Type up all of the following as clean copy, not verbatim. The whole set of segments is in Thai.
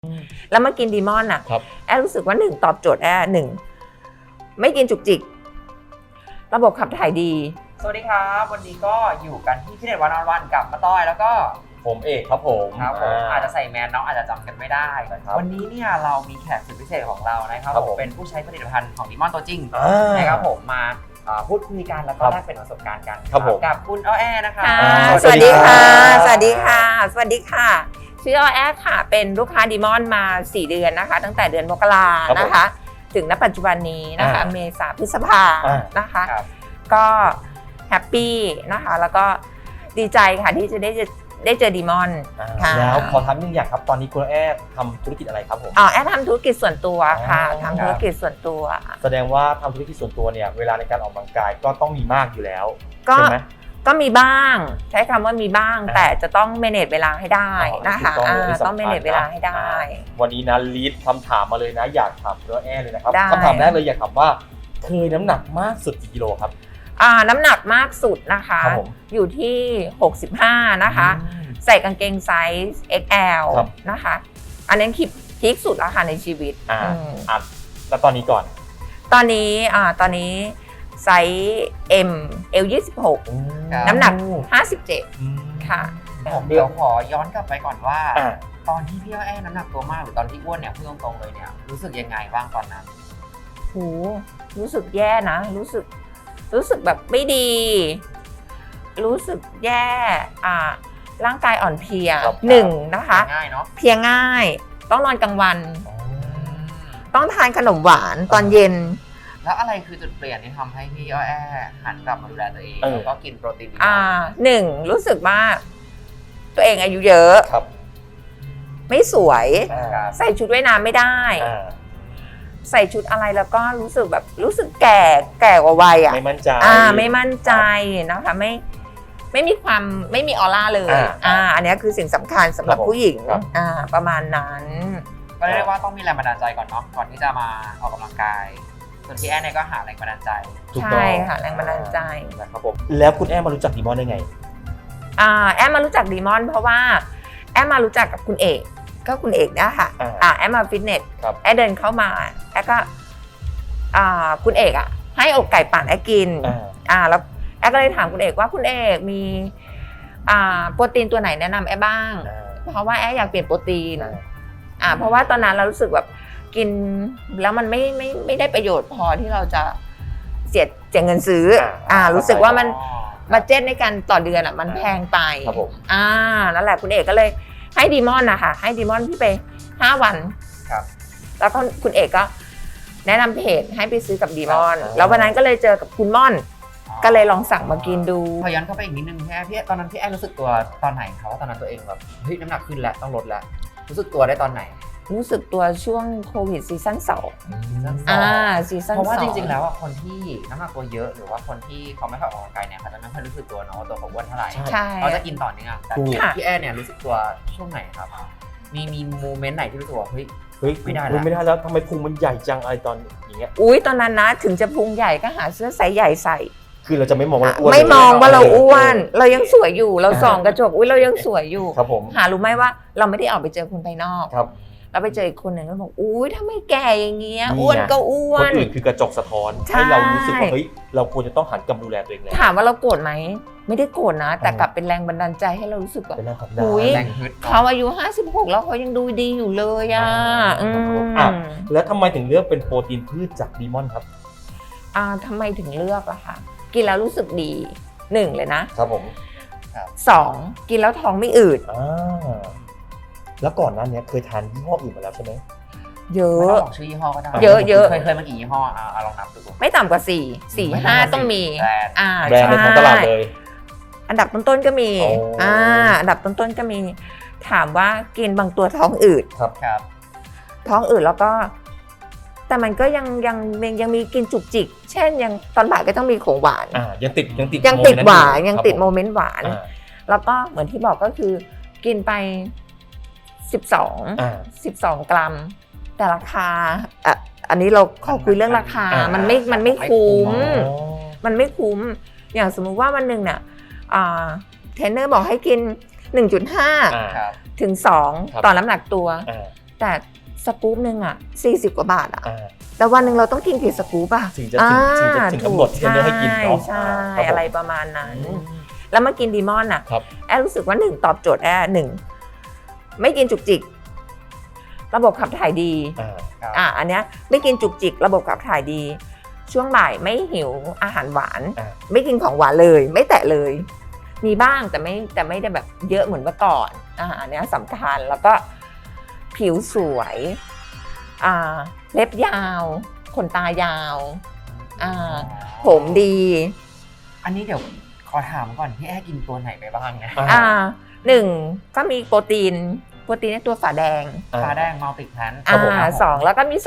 แล้วมากินดีมอนอ่ะแอรู้สึกว่า1ตอบโจทย์แอ1ไม่กินจุกจิกระบบขับถ่ายดีสวัสดีครับวันนี้ก็อยู่กันที่ฟิตเนสวันออนวันกับมาต้อยแล้วก็ผมเอกครับผมอาจจะใส่แมสน้องอาจจะจำกันไม่ได้วันนี้เนี่ยเรามีแขกสุดพิเศษของเรานะครับผมเป็นผู้ใช้ผลิตภัณฑ์ของดีมอนตัวจริงนะครับผมมาพูดคุยกันแล้วก็แลกเปลี่ยนประสบการณ์กันกับคุณอ้อแอนะคะสวัสดีค่ะสวัสดีค่ะสวัสดีค่ะชื่ออ้อแอค่ะเป็นลูกค้าดีมอนมา4เดือนนะคะตั้งแต่เดือนมกรานะคะถึงณปัจจุบันนี้นะคะเมษาพฤษภานะคะก็แฮปปี้นะคะแล้วก็ดีใจค่ะที่จะได้เจอดีมอนแล้วขอถามนึงอย่างครับตอนนี้คุณแอดทำธุรกิจอะไรครับผมแอดทำธุรกิจส่วนตัวค่ะทำธุรกิจส่วนตัวแสดงว่าทำธุรกิจส่วนตัวเนี่ยเวลาในการออกกำลังกายก็ต้องมีมากอยู่แล้วใช่ไหมก็มีบ้างใช้คำว่ามีบ้างแต่จะต้องเมเนจเวลาให้ได้นะคะต้องเมเนจเวลาให้ได้วันนี้นะลีดคำถามมาเลยนะอยากถามคุณแอดเลยนะครับคำถามแรกเลยอยากถามว่าเคยน้ำหนักมากสุดกี่กิโลครับน้ำหนักมากสุดนะคะอยู่ที่65นะคะใส่กางเกงไซส์ XL นะคะอันนั้นพีคสุดแล้วค่ะในชีวิตแล้วตอนนี้ก่อนตอนนี้ไซส์ M L26 น้ำหนัก57ค่ะเดี๋ยวขอย้อนกลับไปก่อนว่าตอนที่พี่อ้อแอน้ำหนักตัวมากหรือตอนที่อ้วนเนี่ยพูดตรงๆเลยเนี่ยรู้สึกยังไงบ้างตอนนั้นโหรู้สึกแย่นะรู้สึกแบบไม่ดีรู้สึกแย่ร่างกายอ่อนเพลีย1นะคะเพลียง่ายต้องนอนกลางวันต้องทานขนมหวานตอนเย็นแล้วอะไรคือจุดเปลี่ยนที่ทำให้พี่อ้อแอหันกลับมาดูแลตัวเองแล้วก็กินโปรตีน 1รู้สึกว่าตัวเองอายุเยอะไม่สวยใส่ชุดว่ายน้ำไม่ได้ใส่ชุดอะไรแล้วก็รู้สึกแก่กว่าวัยไม่มั่นใจไม่มั่นใจนะคะไม่มีออร่าเลยอันนี้คือสิ่งสำคัญสำหรับผู้หญิงประมาณนั้นก็เรียกว่าต้องมีแรงบันดาลใจก่อนเนาะก่อนที่จะมาออกกำลังกายส่วนพี่แอนเนี่ยก็หาแรงบันดาลใจใช่ค่ะแรงบันดาลใจนะครับผมแล้วคุณแอนมารู้จักดีมอนได้ไงแอนมารู้จักดีมอนเพราะว่าแอนมารู้จักกับคุณเอกก็คุณเอกเนี่ยค่ะแอมมาฟิตเนสแอมเดินเข้ามาแอมก็คุณเอกให้อกไก่ปั่นแอมกินแล้วแอมก็เลยถามคุณเอกว่าคุณเอกมีโปรตีนตัวไหนแนะนำแอมบ้างเพราะว่าแอมอยากเปลี่ยนโปรตีนเพราะว่าตอนนั้นเรารู้สึกแบบกินแล้วมันไม่ได้ประโยชน์พอที่เราจะเสียเงินซื้อรู้สึกว่ามันบัดเจ็ตในการต่อเดือนมันแพงไปนั่นแหละคุณเอกก็เลยให้ดีมอนนะคะให้ดีมอนพี่ไป5 วันแล้วก็คุณเอกก็แนะนำเพจให้ไปซื้อกับดีมอนแล้ววันนั้นก็เลยเจอกับคุณม่อนก็เลยลองสั่งมากินดูพอย้อนเข้าไปอีกนิดนึงพี่ตอนนั้นพี่แอนรู้สึกตัวตอนไหนคะว่าตอนนั้นตัวเองแบบเฮ้ยน้ำหนักขึ้นแล้วต้องลดแล้วรู้สึกตัวได้ตอนไหนรู้สึกตัวช่วงโควิดซีซั่น2ซีซั่น2 เพราะว่าจริงๆแล้วคนที่น้ำหนักตัวเยอะหรือว่าคนที่เขาไม่ค่อยออกกำลังกายเนี่ยเขาจะไม่ค่อยรู้สึกตัวเนาะตัวเขาอ้วนเท่าไหร่เขาจะกินต่อเนื่องแต่พี่แอนเนี่ยรู้สึกตัวช่วงไหนครับมีโมเมนต์ไหนที่รู้สึกว่าเฮ้ยไม่ได้แล้วทำไมพุงมันใหญ่จังอะไรตอนอย่างเงี้ยตอนนั้นนะถึงจะพุงใหญ่ก็หาเสื้อไซส์ใหญ่ใส่คือเราจะไม่มองว่าเราอ้วนไม่มองว่าเราอ้วนเรายังสวยอยู่เราส่องกระจกเรายังสวยอยู่ครับผมหารู้ไหมว่าเราไม่ได้ออกไปเจอคนภายนอกครับแล้วไปเจออีกคนหนึ่งก็บอกทำไมแก่อย่างเงี้ยอ้วนก็อ้วนคนอื่นคือกระจกสะท้อนให้เรารู้สึกว่าเฮ้ยเราควรจะต้องหันกลับดูแลตัวเองแล้วถามว่าเราโกรธไหมไม่ได้โกรธนะแต่กลับเป็นแรงบันดาลใจให้เรารู้สึกว่าเขาอายุ56แล้วเขายังดูดีอยู่เลยแล้วทำไมถึงเลือกเป็นโปรตีนพืชจากดีมอนครับทำไมถึงเลือกล่ะคะกินแล้วรู้สึกดี1เลยนะครับผม 2กินแล้วท้องไม่อืดแล้วก่อนหน้านี้เคยทานยี่ห้ออื่นมาแล้วใช่ไหมเยอะไม่ต้องบอกชื่อยี่ห้อก็ได้เยอะเคยมากี่ยี่ห้อลองนับดูไม่ต่ำกว่า4-5ต้องมีแบรนด์ในท้องตลาดเลยอันดับต้นๆก็มีอันดับต้นๆก็มีถามว่ากินบางตัวท้องอืดครับท้องอืดแล้วก็แต่มันก็ยังมีกินจุกจิกเช่นยังตอนบ่ายก็ต้องมีของหวานยังติดหวานยังติดโมเมนต์หวานแล้วก็เหมือนที่บอกก็คือกินไป12 กรัมแต่ราคาอันนี้เราขอคุยเรื่องราคามันไม่คุ้มอย่างสมมุติว่าวันหนึ่งเนี่ยเทรนเนอร์บอกให้กิน 1.5 ถึง 2ต่อน้ำหนักตัวแต่สกู๊ปหนึ่งอ่ะ40 กว่าบาทอ่ะแต่วันหนึ่งเราต้องกินกี่สกู๊ปอ่ะถึงจะถึงกำหนดที่จะให้กินเนาะใช่อะไรประมาณนั้นแล้วมากินดีมอนอ่ะแอรู้สึกว่า1ตอบโจทย์แอ1ไม่กินจุกจิกระบบขับถ่ายดีอันเนี้ยไม่กินจุกจิกระบบขับถ่ายดีช่วงบ่ายไม่หิวอาหารหวานไม่กินของหวานเลยไม่แตะเลยมีบ้างแต่ไม่ได้แบบเยอะเหมือนเมื่อก่อนอันเนี้ยสำคัญแล้วก็ผิวสวยเล็บยาวขนตายาวผมดีอันนี้เดี๋ยวขอถามก่อนพี่แอ้กินตัวไหนไปบ้างไง 1ก็มีโปรตีนในตัวฝาแดงมัลติแพลน 2แล้วก็มี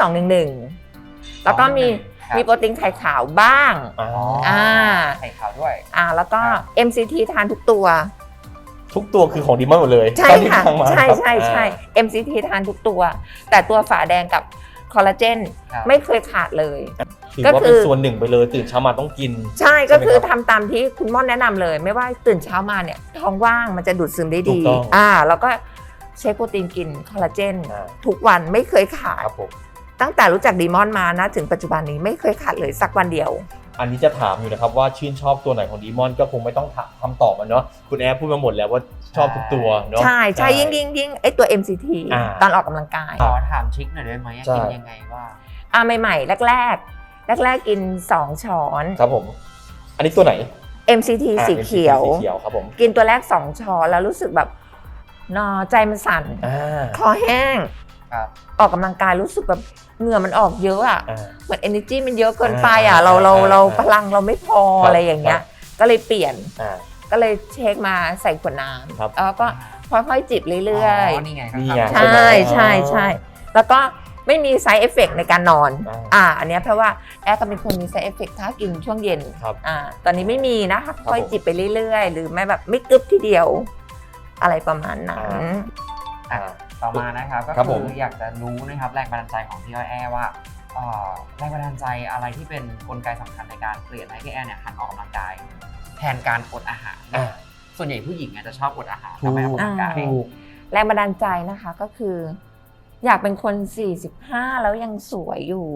211แล้วก็มีโปรตีนไข่ขาวบ้างไข่ขาวด้วยแล้วก็ MCT ทานทุกตัวคือของดีมอนหมดเลยใช่ค่ะใช่ MCT ทานทุกตัวแต่ตัวฝาแดงกับคอลลาเจนไม่เคยขาดเลยก็คือส่วนหนึ่งไปเลยตื่นเช้ามาต้องกินใช่ก็คือทำตามที่คุณม่อนแนะนำเลยไม่ว่าตื่นเช้ามาเนี่ยท้องว่างมันจะดูดซึมได้ดีแล้วก็เช็คโปรตีนกินคอลลาเจนทุกวันไม่เคยขาดตั้งแต่รู้จักดีมอนมานะถึงปัจจุบันนี้ไม่เคยขาดเลยสักวันเดียวอันนี้จะถามอยู่นะครับว่าชื่นชอบตัวไหนของดีมอนก็คงไม่ต้องคำตอบมันเนาะคุณแอร์พูดมาหมดแล้วว่าชอบทุกตัวเนาะใช่ยิ่งไอตัว MCT ตอนออกกำลังกายขอถามทริคหน่อยได้ไหมกินยังไงว่าใหม่ๆแรกกิน2 ช้อนครับผมอันนี้ตัวไหน MCT สีเขียวครับผมกินตัวแรก2 ช้อนแล้วรู้สึกแบบใจมันสั่นคอแห้งออกกำลังกายรู้สึกแบบเหงื่อมันออกเยอะอ่ะเหมือน energy มันเยอะเกินไปอ่ะเราพลังเราไม่พออะไรอย่างเงี้ยก็เลยเปลี่ยนก็เลยเช็คมาใส่ขวดน้ำแล้วก็ค่อยๆจิบเรื่อยๆนี่ไงใช่แล้วก็ไม่มี side effect ในการนอนอันนี้เพราะว่าแอร์ก็เป็นคนมี side effect ถ้ากินช่วงเย็นตอนนี้ไม่มีนะคะค่อยจิบไปเรื่อยๆหรือไม่แบบไม่กึบทีเดียวอะไรประมาณนั้นต่อมานะครับก็คืออยากจะรู้นะครับแรงบันดาลใจของพี่อ้อยแอว่าแรงบันดาลใจอะไรที่เป็นกลไกสำคัญในการเปลี่ยนให้พี่แอเนี่ยหันออกกำลังกายแทนการอดอาหารส่วนใหญ่ผู้หญิงจะชอบอดอาหารทำไมออกกำลังกายแรงบันดาลใจนะคะก็คืออยากเป็นคน45แล้วยังสวยอยู่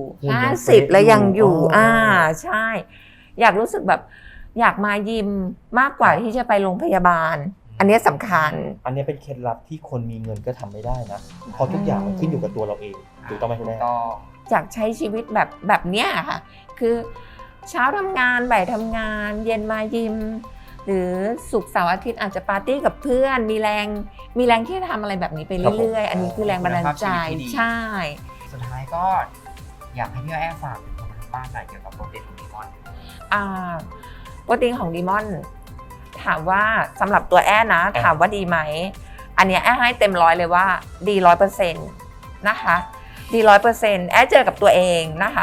50แล้วยังอยู่ใช่อยากรู้สึกแบบอยากมายิมมากกว่าที่จะไปโรงพยาบาลอันนี้สำคัญอันนี้เป็นเคล็ดลับที่คนมีเงินก็ทำไม่ได้นะเพราะทุกอย่างมันขึ้นอยู่กับตัวเราเองถูกต้องไหมคุณแม่อยากใช้ชีวิตแบบเนี้ยค่ะคือเช้าทำงานบ่ายทำงานเย็นมายิมหรือศุกร์เสาร์อาทิตย์อาจจะปาร์ตี้กับเพื่อนมีแรงที่จะทำอะไรแบบนี้ไปเรื่อยๆอันนี้คือแรงบันดาลใจใช่สุดท้ายก็อยากให้พี่แอ้ฝากถึงคนทางบ้านหน่อยเกี่ยวกับโปรตีนของดีมอนโปรตีนของดีมอนถามว่าสำหรับตัวแอ้นะถามว่าดีไหมอันนี้แอ้ให้เต็ม100เลยว่าดี 100% นะคะดี 100% แอ้เจอกับตัวเองนะคะ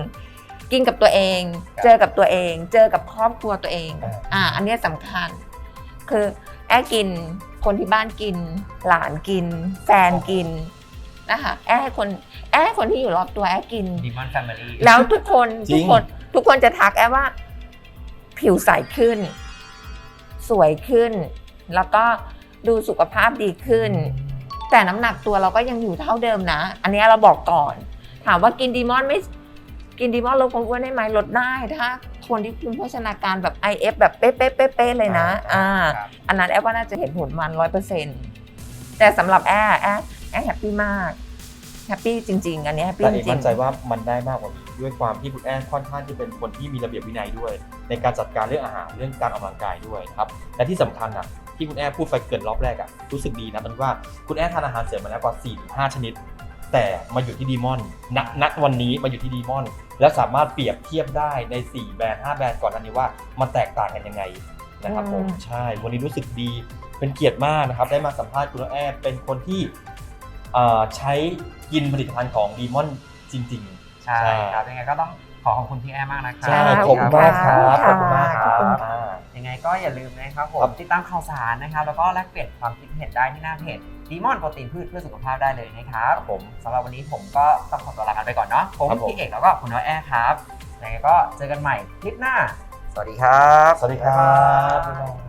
1กินกับตัวเองเจอกับตัวเองเจอกับครอบครัวตัวเองอันนี้สำคัญคือแอ้กินคนที่บ้านกินหลานกินแฟนกินนะคะแอ้ให้คนที่อยู่รอบตัวแอ้กิน Demon Family แล้วทุกคนจะทักแอ้ว่าผิวใสขึ้นสวยขึ้นแล้วก็ดูสุขภาพดีขึ้นแต่น้ำหนักตัวเราก็ยังอยู่เท่าเดิมนะอันนี้เราบอกก่อนถามว่ากินดีมอนลดความอ้วนได้ไหมลดได้ถ้าคนที่คุมโภชนาการแบบ IF แบบเป๊ะเลยนะอันนั้นแอปว่าน่าจะเห็นผลมัน 100% แต่สำหรับแอแฮปปี้มากแฮปปี้จริงๆอันนี้แฮปปี้จริงมั่นใจว่ามันได้มากกว่านี้ด้วยความที่คุณแอค่อนข้างที่เป็นคนที่มีระเบียบวินัยด้วยในการจัดการเรื่องอาหารเรื่องการออกกำลังกายด้วยครับและที่สำคัญที่คุณแอพูดไปเกินรอบแรกรู้สึกดีนะมันว่าคุณแอทานอาหารเสริมมาแล้วกว่า 4-5 ชนิดแต่มาอยู่ที่ดีมอนณวันนี้มาอยู่ที่ดีมอนแล้วสามารถเปรียบเทียบได้ใน4แบรนด์5แบรนด์ก่อนหน้านี้ว่ามันแตกต่างกันยังไงนะครับผมใช่วันนี้รู้สึกดีเป็นเกียรติมากนะครับได้มาสัมภาษณ์คุณแอเป็นคนที่ใช้กินผลิตภัณฑ์ของดีมอนจริงๆใช่ครับยังไงก็ต้องขอบคุณพี่แอมากนะครับขอบคุณมากครับขอบคุณมากครับยังไงก็อย่าลืมนะครับผมติดตามข่าวสารนะครับแล้วก็แลกเปลี่ยนความคิดเห็นได้ที่หน้าเพจดีมอนโปรตีนพืชเพื่อสุขภาพได้เลยนะครับผมสำหรับวันนี้ผมก็ต้องขอตัวลากันไปก่อนเนาะผมพี่เอกแล้วก็คุณน้อยแอครับยังไงก็เจอกันใหม่คลิปหน้าสวัสดีครับสวัสดีครับ